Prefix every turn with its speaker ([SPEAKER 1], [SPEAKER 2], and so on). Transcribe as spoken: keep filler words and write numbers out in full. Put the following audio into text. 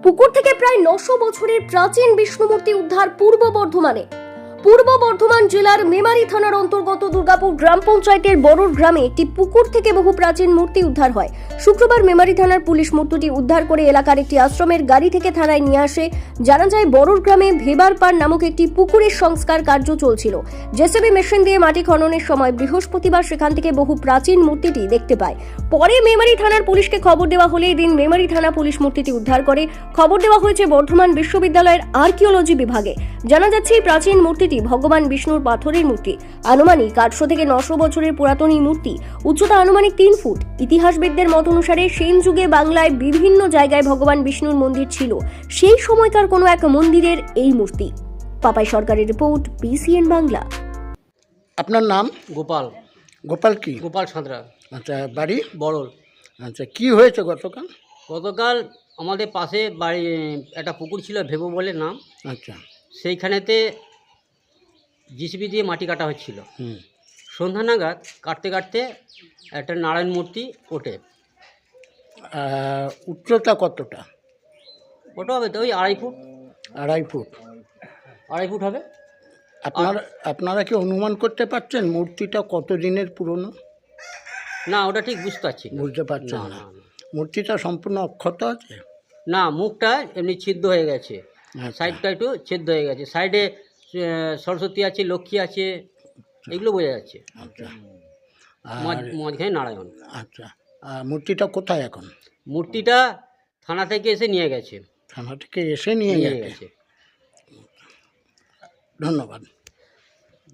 [SPEAKER 1] পুকুর থেকে প্রায় নশো বছরের প্রাচীন বিষ্ণু মূর্তি উদ্ধার পূর্ব বর্ধমানে। পূর্ব বর্ধমান জেলার মেমারি থানার অন্তর্গত দুর্গাপুর গ্রাম পঞ্চায়েতের বড়ুর গ্রামে একটি পুকুর থেকে বহু প্রাচীন মূর্তি উদ্ধার হয়। শুক্রবার মেমারি থানার পুলিশ মূর্তিটি উদ্ধার করে এলাকার একটি আশ্রমের গাড়ি থেকে থানায় নিয়ে আসে। জানা যায় বড়ুর গ্রামে ভেবারপাড় নামক একটি পুকুরের সংস্কার কার্য চলছিল। জেসিবি মেশিন দিয়ে মাটি খননের সময় বৃহস্পতিবার সেখান থেকে বহু প্রাচীন মূর্তিটি দেখতে পায়। পরে মেমারি থানার পুলিশকে খবর দেওয়া হলে এদিন মেমারি থানা পুলিশ মূর্তিটি উদ্ধার করে খবর দেওয়া হয়েছে বর্ধমান বিশ্ববিদ্যালয়ের আর্কিওলজি বিভাগে। জানা যাচ্ছে এই প্রাচীন মূর্তিটি ভগবান বিষ্ণুর পাথরের মূর্তি। আনুমানিক আটশো থেকে নশো বছরের পুরাতন এই মূর্তি, উচ্চতা আনুমানিক তিন ফুট। ইতিহাসবিদদের মত অনুসারে সেন যুগে বাংলায় বিভিন্ন জায়গায় ভগবান বিষ্ণুর মন্দির ছিল, সেই সময়কার কোনো এক মন্দিরের এই মূর্তি। পাপাই সরকারের রিপোর্ট, বিসিএন বাংলা।
[SPEAKER 2] আপনার নাম?
[SPEAKER 3] গোপাল
[SPEAKER 2] গোপাল কি?
[SPEAKER 3] গোপাল সাঁতরা,
[SPEAKER 2] আচ্ছা, বাড়ি?
[SPEAKER 3] বড়ল।
[SPEAKER 2] আচ্ছা, কি হয়েছে গতকাল?
[SPEAKER 3] গতকাল আমাদের পাশে বাড়ি একটা পুকুর ছিল, ভেবো বলে নাম।
[SPEAKER 2] আচ্ছা।
[SPEAKER 3] সেইখানেতে জিসিবি দিয়ে মাটি কাটা হচ্ছিল।
[SPEAKER 2] হুম।
[SPEAKER 3] সন্ধ্যা নাগাদ কাটতে কাটতে একটা নারায়ণ মূর্তি ওঠে।
[SPEAKER 2] আহ, উচ্চতা কতটা?
[SPEAKER 3] ওটা হবে তো ওই আড়াই ফুট
[SPEAKER 2] আড়াই ফুট।
[SPEAKER 3] আড়াই ফুট হবে।
[SPEAKER 2] আপনারা আপনারা কি অনুমান করতে পারছেন মূর্তিটা কত দিনের পুরনো?
[SPEAKER 3] না, ওটা ঠিক বুঝতে পারছি না।
[SPEAKER 2] বুঝতে পারছেন
[SPEAKER 3] না,
[SPEAKER 2] না?
[SPEAKER 3] না, না।
[SPEAKER 2] মূর্তিটা সম্পূর্ণ অক্ষত আছে?
[SPEAKER 3] না, মুখটা এমনি ছিদ্র হয়ে গেছে,
[SPEAKER 2] আচ্ছা।
[SPEAKER 3] সাইডটা একটু ছিদ্র হয়ে গেছে। সাইডে আহ, সরস্বতী আছে, লক্ষ্মী আছে, এগুলো বোঝা যাচ্ছে।
[SPEAKER 2] আচ্ছা।
[SPEAKER 3] মাঝ-
[SPEAKER 2] আর
[SPEAKER 3] মাঝখানে নারায়ণ।
[SPEAKER 2] আচ্ছা, আর মূর্তিটা কোথায় এখন?
[SPEAKER 3] মূর্তিটা থানা থেকে এসে নিয়ে গেছে
[SPEAKER 2] থানা থেকে এসে নিয়ে
[SPEAKER 3] নিয়ে
[SPEAKER 2] গেছে?
[SPEAKER 3] গেছে
[SPEAKER 2] ধন্যবাদ।